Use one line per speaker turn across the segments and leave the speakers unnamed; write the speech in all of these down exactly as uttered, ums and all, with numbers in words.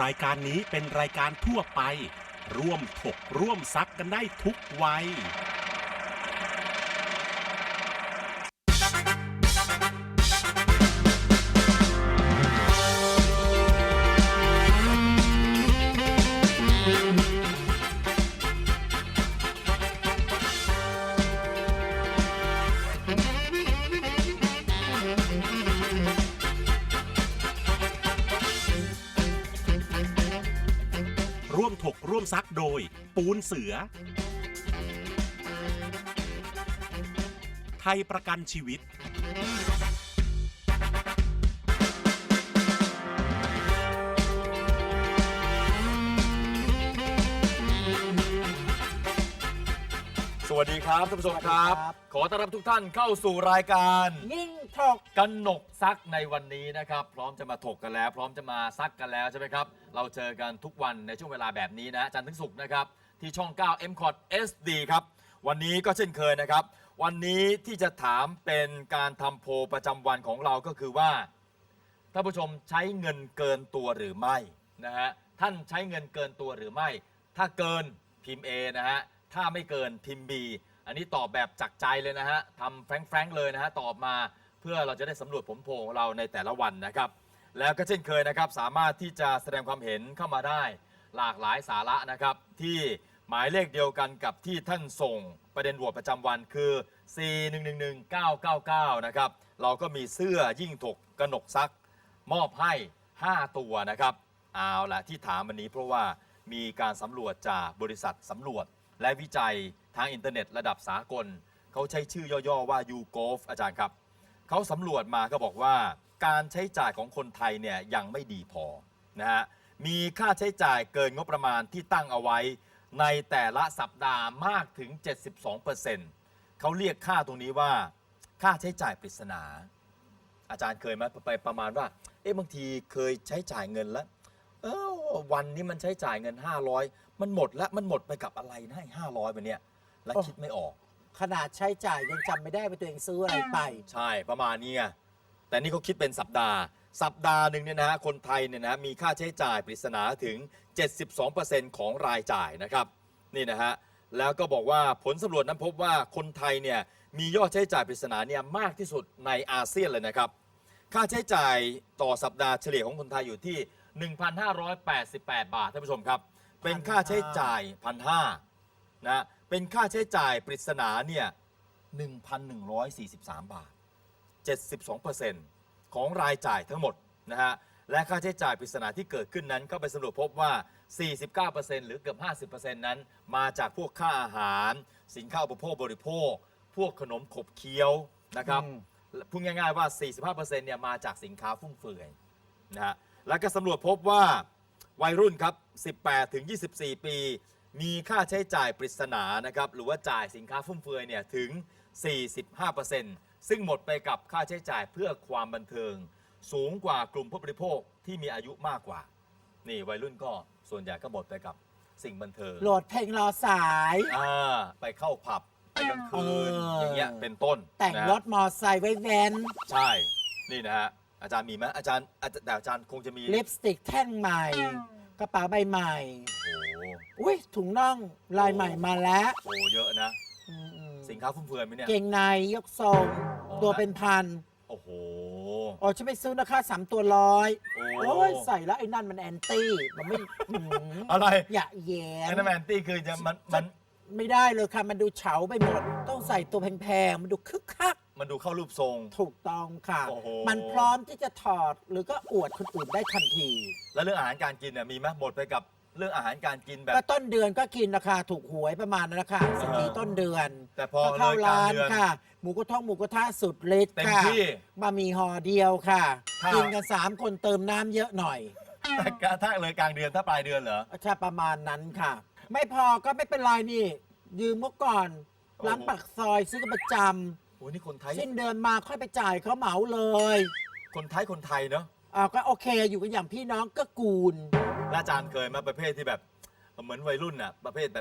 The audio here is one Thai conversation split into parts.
รายการนี้เป็นรายการทั่วไปร่วมถกร่วมซักกันได้ทุกวัยร่วมถกร่วมซักโดยปูนเสือไทยประกันชีวิต
สวัสดีครับท่านผู้ชมครับ ขอต้อนรับทุกท่านเข้าสู่รายการ
ยิ่งถก
กันหนกซักในวันนี้นะครับพร้อมจะมาถกกันแล้วพร้อมจะมาซักกันแล้วใช่ไหมครับเราเจอกันทุกวันในช่วงเวลาแบบนี้นะจันทร์ถึงศุกร์นะครับที่ช่อง เก้า เอ็ม คอท เอส ดี ครับวันนี้ก็เช่นเคยนะครับวันนี้ที่จะถามเป็นการทำโพลประจำวันของเราก็คือว่าท่านผู้ชมใช้เงินเกินตัวหรือไม่นะฮะท่านใช้เงินเกินตัวหรือไม่ถ้าเกินพิมพ์ A นะฮะถ้าไม่เกินพิมพ์ B อันนี้ตอบแบบจากใจเลยนะฮะทำแฟรงค์ๆเลยนะฮะตอบมาเพื่อเราจะได้สำรวจผลโพลของเราในแต่ละวันนะครับแล้วก็เช่นเคยนะครับสามารถที่จะแสดงความเห็นเข้ามาได้หลากหลายสาระนะครับที่หมายเลขเดียวกันกับที่ท่านส่งประเด็นโหวตประจำวันคือ สี่ หนึ่ง หนึ่ง หนึ่ง เก้า เก้า เก้า นะครับเราก็มีเสื้อยิ่งถกกนกซักมอบให้ห้าตัวนะครับเอาละที่ถามวันนี้เพราะว่ามีการสำรวจจากบริษัทสำรวจและวิจัยทางอินเทอร์เน็ตระดับสากลเขาใช้ชื่อย่อๆว่า ยู โกลฟ อาจารย์ครับเขาสำรวจมาก็บอกว่าการใช้จ่ายของคนไทยเนี่ยยังไม่ดีพอนะฮะมีค่าใช้จ่ายเกินงบประมาณที่ตั้งเอาไว้ในแต่ละสัปดาห์มากถึง เจ็ดสิบสองเปอร์เซ็นต์ เขาเรียกค่าตรงนี้ว่าค่าใช้จ่ายปริศนาอาจารย์เคยไหมไปประมาณว่าเอ๊ะบางทีเคยใช้จ่ายเงินแล้วเออวันนี้มันใช้จ่ายเงินห้าร้อยมันหมดแล้วมันหมดไปกับอะไรนะห้าร้อยไปเนี่ยแล้วคิดไม่ออก
ขนาดใช้จ่ายยังจำไม่ได้ว่าตัวเองซื้ออะไรไป
ใช่ประมาณนี้ไงแต่นี่เขาคิดเป็นสัปดาห์สัปดาห์หนึ่งเนี่ยนะฮะคนไทยเนี่ยนะมีค่าใช้จ่ายปริศนาถึง เจ็ดสิบสองเปอร์เซ็นต์ ของรายจ่ายนะครับนี่นะฮะแล้วก็บอกว่าผลสำรวจนั้นพบว่าคนไทยเนี่ยมียอดใช้จ่ายปริศนาเนี่ยมากที่สุดในอาเซียนเลยนะครับค่าใช้จ่ายต่อสัปดาห์เฉลี่ยของคนไทยอยู่ที่ หนึ่งพันห้าร้อยแปดสิบแปด บาทท่านผู้ชมครับเป็นค่าใช้จ่าย หนึ่งพันห้าร้อย นะเป็นค่าใช้จ่ายปริศนาเนี่ย หนึ่งพันหนึ่งร้อยสี่สิบสาม บาท เจ็ดสิบสองเปอร์เซ็นต์ ของรายจ่ายทั้งหมดนะฮะและค่าใช้จ่ายปริศนาที่เกิดขึ้นนั้นก็ไปสำรวจพบว่า สี่สิบเก้าเปอร์เซ็นต์ หรือเกือบ ห้าสิบเปอร์เซ็นต์ นั้นมาจากพวกค่าอาหารสินค้าอุปโภคบริโภคพวกขนมขบเคี้ยวนะครับพูดง่ายๆว่า สี่สิบห้าเปอร์เซ็นต์ เนี่ยมาจากสินค้าฟุ่มเฟือยนะฮะและก็สำรวจพบว่าวัยรุ่นครับ สิบแปดถึงยี่สิบสี่ ปีมีค่าใช้จ่ายปริศนานะครับหรือว่าจ่ายสินค้าฟุ่มเฟือยเนี่ยถึง สี่สิบห้าเปอร์เซ็นต์ ซึ่งหมดไปกับค่าใช้จ่ายเพื่อความบันเทิงสูงกว่ากลุ่มผู้บริโภคที่มีอายุมากกว่านี่วัยรุ่นก็ส่วนใหญ่ก็หมดไปกับสิ่งบันเทิง
โหลดเพลงรอสาย
อ่าไปเข้าผับไปกลางคืน อ, อย่างเงี้ยเป็นต้น
แต่งรถมอไซค์ไว้แว้น
ใช่นี่นะฮะอาจารย์มีไหมอาจารย์แต่อาจารย์คงจะมี
ลิปสติกแท่งใหม่กระเป๋าใบใหม่โอ้อุ้ยถุงน่องลายใหม่มาแล้ว
โอ้เยอะนะสินค้าฟุ่มเฟือยไหมเนี่ย
เกงในยกทรงตัวเป็นพัน
โอ้โห
อ๋อฉันไปซื้อนะคะสามตัวร้อยโอ้ยใส่แล้วไอ้นั่นมันแอนตี้มันไม่
อะไร
อย่าแย่
ไอ้นั่นแอนตี้คือจะมันมัน
ไม่ได้เลยค่ะมันดูเฉาไปหมดต้องใส่ตัวแพงๆมันดูคึกคัก
มันดูเข้ารูปทรง
ถูกต้องค่ะมันพร้อมที่จะถอดหรือก็อวดคนอื่นได้ทันที
แล้วเรื่องอาหารการกินเนี่ยมีไหมหมดไปกับเรื่องอาหารการกินแบบ
ก็ต้นเดือนก็กินราคาถูกหวยประมาณนั้นนะคะสิบสี่ต้นเดือน
แต่พอ
เข้าร้านค่ะหมูกระทะหมูกระทะสุดฤทธิ์ค่ะบะหมี่ห่อเดียวค่ะกินกันสามคนเติมน้ำเยอะหน่อย
แต่ถ้าเลยกลางเดือนถ้าปลายเดือนเหรอ
ใช่ประมาณนั้นค่ะไม่พอก็ไม่เป็นไรนี่ยืมเมื่อก่อนร้านปากซอยซื้อกันประจำ
โอ้นี่คนไทย
สิ้นเดือนมาค่อยไปจ่ายเขาเหมาเลย
คนไทยคนไทยเนาะ
อ่าก็โอเคอยู่กันอย่างพี่น้องก็กูล
อาจารย์เคยมาประเภทที่แบบเหมือนวัยรุ่นน่ะประเภทแบบ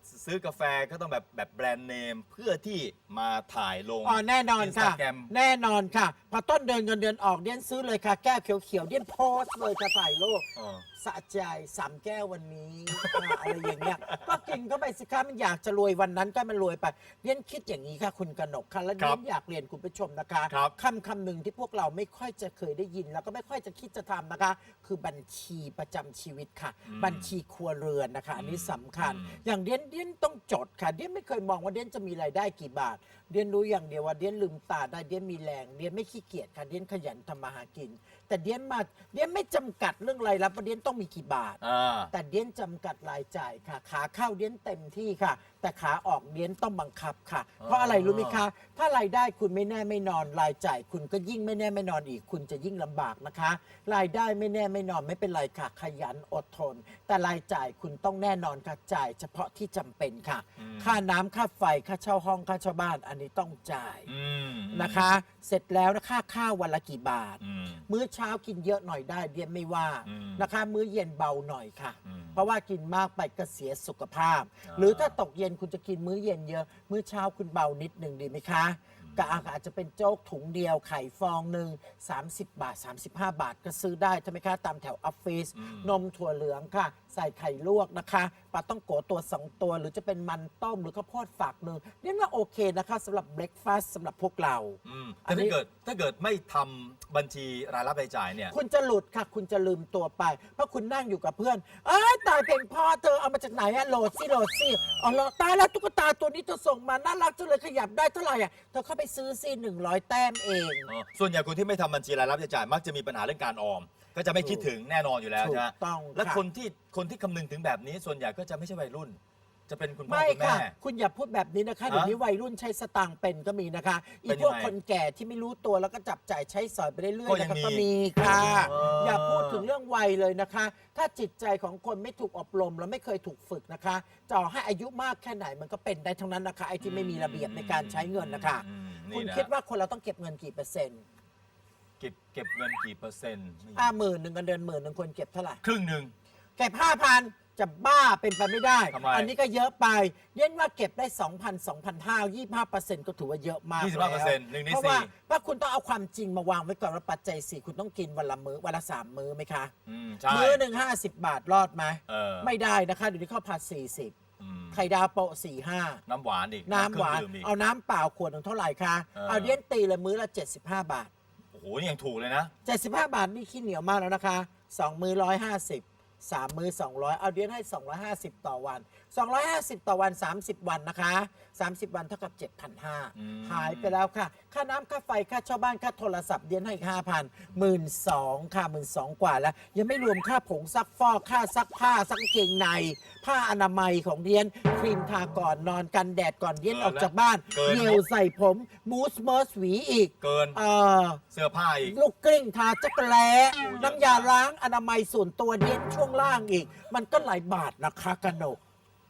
ซื้อกาแฟก็ต้องแบบแบบแบรนด์เนมเพื่อที่มาถ่ายลง
อ๋อแน่นอนค่ะ
Instagram
แน่นอนค่ะ พอต้นเดือนเงินเดือนออกเดียนซื้อเลยค่ะ แก้วเขียวๆเดียนโพสต์เลยค่ะถ่ายรูป
อ๋อ
สะใจสามแก้ววันนี้ อ่าอะไรอย่างเงี้ยก็กินเข้าไปสิคะมันอยากจะรวยวันนั้นก็มันรวยไปเดียนคิดอย่างนี้ค่ะคุณกนกค่ะแล้วเดียนอยากเรียนคุณผู้ชมนะคะ
ครับ
คำคำหนึ่งที่พวกเราไม่ค่อยจะเคยได้ยิน แล้วก็ไม่ค่อยจะคิดจะทำนะคะ คือบัญชีประจำชีวิตค่ะ
อืม
บัญชีครัวเรือนนะคะ อันนี้สำคัญ
อืม
อย่างเดียนเดียนต้องจดค่ะเดียนไม่เคยมองว่าเดียนจะมีรายได้กี่บาท เดียนรู้อย่างเดียวว่าเดียนลืมตาได้เดียนมีแรงเดียนไม่ขี้เกียจค่ะเดียนขยันทำมาหากิน แต่เดียนมาเดียนไม่จำกัดเรื่องรายรับว่าเดียนต้องมีกี่บาท
อ่า
แต่เดียนจำกัดรายจ่ายค่ะ ขาเข้าเดียนเต็มที่ค่ะ แต่ขาออกเดียนต้องบังคับค่ะ เพราะอะไรรู้ไหมคะ ถ้ารายได้คุณไม่แน่ไม่นอนรายจ่ายคุณก็ยิ่งไม่แน่ไม่นอนอีก คุณจะยิ่งลำบากนะคะ รายได้ไม่แน่ไม่นอนไม่เป็นไรค่ะ ขยันอดทน แต่รายจ่ายคุณต้องแน่นอนค่ะจ่าย เฉพาะที่จำเป็นค่ะ
อืม
ค่าน้ำค่าไฟค่าเช่าห้องค่าเช่าบ้านอันนี้ต้องจ่าย
อืม
นะคะ เสร็จแล้วนะค่าข้าววันละกี่บาท
อืม
มื้อเช้ากินเยอะหน่อยได้เดียนไม่ว่า
อืม
นะคะ มื้อเย็นเบาหน่อยค่ะ
อืม
เพราะว่ากินมากไปก็เสียสุขภาพ
อ่า
หรือถ้าตกเย็นคุณจะกินมื้อเย็นเยอะ มื้อเช้าคุณเบานิดหนึ่งดีไหมคะก็อาจจะเป็นโจ๊กถุงเดียวไข่ฟองหนึ่งสามสิบบาท สามสิบห้า บาทก็ซื้อได้ใช่ไหมคะตามแถวออฟฟิศ
อืม
นมถั่วเหลืองค่ะ ใส่ไข่ลวกนะคะปลาต้องโกตัวสองตัว หรือจะเป็นมันต้มหรือข้าวโพดฝักหนึ่งเรียกว่าโอเคนะคะสำหรับเบรคฟาสต์สำหรับพวกเรา
อืม
อั
แต่
นนี้
ถ้าเกิดถ้าเกิดไม่ทำบัญชีรายรับรายจ่ายเนี่ย
คุณจะหลุดค่ะ คุณจะลืมตัวไป เพราะคุณนั่งอยู่กับเพื่อน เอ้ยตายเพลงพ่อเธอเอามาจากไหนอะโหลดสิโหลดสิอ๋อโหลดตายแล้วตุ๊กตาตัวนี้เธอส่งมาน่ารักจังเลยขยับได้เท่าไหร่อะเธอเข้าไปซื้อสิหนึ่งร้อยแต้มเอง
อ๋อส่วนใหญ่คนที่ไม่ทำบัญชีรายรับรายจ่ายมักจะมีปัญหาเรื่องการออม ก็จะไม่คิดถึงแน่นอนอยู่แล้ว
ถู
ใช่ไหม
กต้อง
และ
ค่ะ
คนที่คนที่คำนึงถึงแบบนี้ส่วนใหญ่ก็จะไม่ใช่วัยรุ่น จะเป็นคุณพ่อ
ไม่
คุณ
ค่ะ
แม่
คุณอย่าพูดแบบนี้นะคะเดี๋ยวนี้วัยรุ่นใช้สตางค์เป็นก็มีนะคะอี
เป็นยังไง
พวกคนแก่ที่ไม่รู้ตัวแล้วก็จับจ่ายใช้สอยไปเรื่อย
ก็
ๆ
ยัง
นะคะ
มี
ก็มีค่ะ
เอออ
อย่าพูดถึงเรื่องวัยเลยนะคะ ถ้าจิตใจของคนไม่ถูกอบรมแล้วไม่เคยถูกฝึกนะคะจะให้อายุมากแค่ไหนมันก็เป็นได้ทั้งนั้นนะคะไอ้ที่ไม่มีระเบียบในการใช้เงินนะคะ
อืม
คุณ
นี่นะ
คิดว่าคนเราต้องเก็บเงินกี่เปอร์เซ็นต์
เก็บเก็บเงินกี่เปอร์เซ็นต์ไม่
อ่าหมื่นหนึ่งเงินเดือนหมื่นหนึ่งคนเก็บเท่าไหร่
ครึ่งหนึ่ง
เก็บห้าพันจะบ้าเป็นไปไม่ได้
ทำไม
อันนี้ก็เยอะไปเย็นว่าเก็บได้ 2,000 2,500 ยี่สิบห้าเปอร์เซ็นต์ก็ถือว่าเยอะมาก
ยี่สิบ
แล้
ห้าเปอร์เซ็นต์หนึ่งใน
เพราะว่า
สี่
เพราะคุณต้องเอาความจริงมาวางไว้ก่อนว่าปัจจัยสี่คุณต้องกินวันละมื้อวันละสามมื้อไหมคะ
อืมใช่
มื้อหนึ่งห้าสิบบาทรอดไหม
เออ
ไม่ได้นะคะเดี๋ยวนี้ข้าวผัดสี่สิบ
อืม
ไข่ดาวโปะสี่ห้า
น้ำหวานอีก
น้ำหวาน
เครื่องดื่มอีก
เอาน้ำเปล่าขวดหนึ่งเท่าไหร่คะ
เออ
เอาเดียนตีเลยมื้อละเจ็ดสิบห้าบาท
โอ้โหนี่ยังถูกเลยนะ
เจ็ดสิบห้าบาทนี่ขี้เหนียวมากแล้วนะคะสองมื้อร้อยห้าสิบสามมื้อสองร้อยเอาเดือนให้สองร้อยห้าสิบต่อวันสองร้อยห้าสิบต่อวันสามสิบวันนะคะสามสิบวันเท่ากับ เจ็ดพันห้าร้อย
อืม
หายไปแล้วค่ะ ค่าน้ำค่าไฟค่าเช่าบ้านค่าโทรศัพท์เดือนให้ห้าพันหมื่นสองค่ะหมื่นสองกว่าแล้ว ยังไม่รวมค่าผงซักฟอกค่าซักผ้าซักกางเกงใน ผ้าอนามัยของเดียนครีมทาก่อนนอนกันแดดก่อนเดียนออกจากบ้าน
เกิน
เยลใส่ผมมูสเมอร์สหวีอีก
เกิน
เออ
เสื้อผ้าอีก
ลูกกลิ้งทาจักรแล้
โอ้เยอะ
น้ำยาล้างอนามัยส่วนตัวเดียนช่วงล่างอีก มันก็หลายบาทนะคะกนก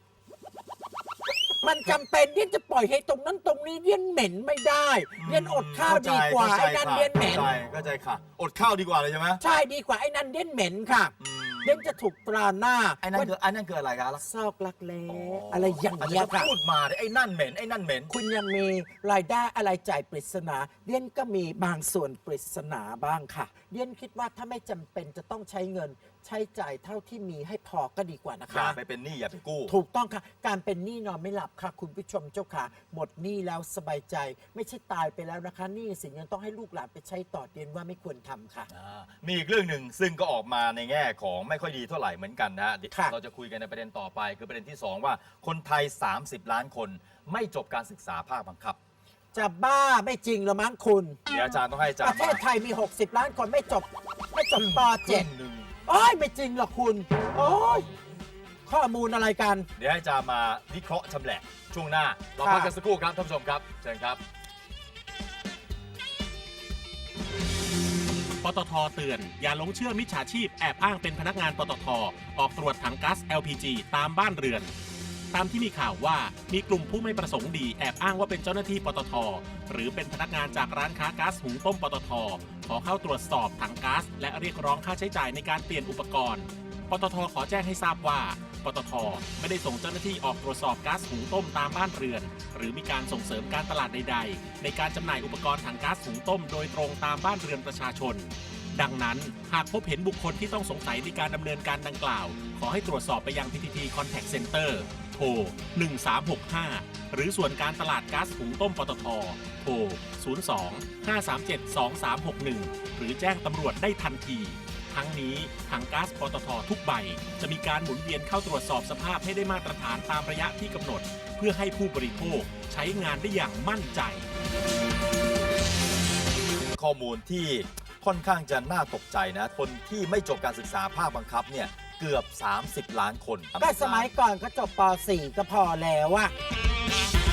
มันจำเป็นเดียนจะปล่อยให้ตรงนั้นตรงนี้เดียนเหม็นไม่ได้เดียนอดข้าวดีกว่าไอ้นั่นเดียนเหม็น
เข้าใจเข้าใจค่ะ อดข้าวดีกว่าเลยใช่ไหม
ใช่ดีกว่าไอ้นั่นเดียนเหม็นค่ะ
อืม
เดียนจะถูกตราหน้า
ไอ้นั่นคือไอ้นั่นคืออะไรกันล่ะ
ซอกลักแร้อะไรอย่างเงี้ย
อาจจะ
ค่ะ
พูดมาดิไอ้นั่นเหม็นไอ้นั่นเหม็น
คุณยังมีรายได้อะไรจ่ายปริศนาเดียนก็มีบางส่วนปริศนาบ้างค่ะเดียนคิดว่าถ้าไม่จำเป็นจะต้องใช้เงิน ใช้จ่ายเท่าที่มีให้พอก็ดีกว่านะ
อย่า
คะ
ไปเป็นหนี้อย่าไปกู้
ถูกต้องค่ะ การเป็นหนี้นอนไม่หลับค่ะ คุณผู้ชมเจ้าค่ะ หมดหนี้แล้วสบายใจ ไม่ใช่ตายไปแล้วนะคะหนี้สินยังต้องให้ลูกหลานไปใช้ต่อเดียนว่าไม่ควรทำค่ะ
อ่ามีอีกเรื่องหนึ่งซึ่งก็ออกมาในแง่ของไม่ค่อยดีเท่าไหร่เหมือนกันนะฮะ
ค่ะ
เราจะคุยกันในประเด็นต่อไป คือประเด็นที่สองว่าคนไทย สามสิบ ล้านคนไม่จบการศึกษาภาคบังคับ
จะบ้าไม่จริงเหรอมั้งคุณ
เดี๋ยวอาจารย์ต้องให้อาจาร
ป
ย์
ระเทศไทยมี หกสิบ ล้านคนไม่จบ ไม่จบป
ค
เจ็
รึ่
ด
งหนึ่ง
โอ้ยไม่จริงหรอกคุณ โอ้ยข้อมูลอะไรกัน
เดี๋ยวให้อาจารย์มาวิเคราะห์ชำแหละช่วงหน้า เรา
ค่ะ
พักกันสักครู่ครับท่านผู้ชมครับเชิญครับ
ปตทเตือนอย่าหลงเชื่อมิจฉาชีพแอบอ้างเป็นพนักงานปตทออกตรวจถังก๊าซ แอล พี จี ตามบ้านเรือน ตามที่มีข่าวว่ามีกลุ่มผู้ไม่ประสงค์ดีแอบอ้างว่าเป็นเจ้าหน้าที่ปตทหรือเป็นพนักงานจากร้านค้าก๊าซหุงต้มปตทขอเข้าตรวจสอบถังก๊าซและเรียกร้องค่าใช้จ่ายในการเปลี่ยนอุปกรณ์ปตท.ขอแจ้งให้ทราบว่าปตท.ไม่ได้ส่งเจ้าหน้าที่ออกตรวจสอบก๊าซหุงต้มตามบ้านเรือนหรือมีการส่งเสริมการตลาดใดๆในการจำหน่ายอุปกรณ์ถังก๊าซหุงต้มโดยตรงตามบ้านเรือนประชาชนดังนั้นหากพบเห็นบุคคลที่ต้องสงสัยในการดำเนินการดังกล่าวขอให้ตรวจสอบไปยัง พี ที ที Contact Center โทรหนึ่งสามหกห้าหรือส่วนการตลาดก๊าซหุงต้มปตท.โทรศูนย์ สอง ห้า สาม เจ็ด สอง สาม หก หนึ่งหรือแจ้งตำรวจได้ทันทีทั้งนี้ถังก๊าซปตท.ทุกใบจะมีการหมุนเวียนเข้าตรวจสอบสภาพให้ได้มาตรฐานตามระยะที่กำหนดเพื่อให้ผู้บริโภคใช้งานได้อย่างมั่นใจ
ข้อมูลที่ค่อนข้างจะน่าตกใจนะคนที่ไม่จบการศึกษาภาคบังคับเนี่ยเกือบสามสิบล้านคน
ก็สมัยก่อนก็จบป .สี่ ก็พอแล้วอะ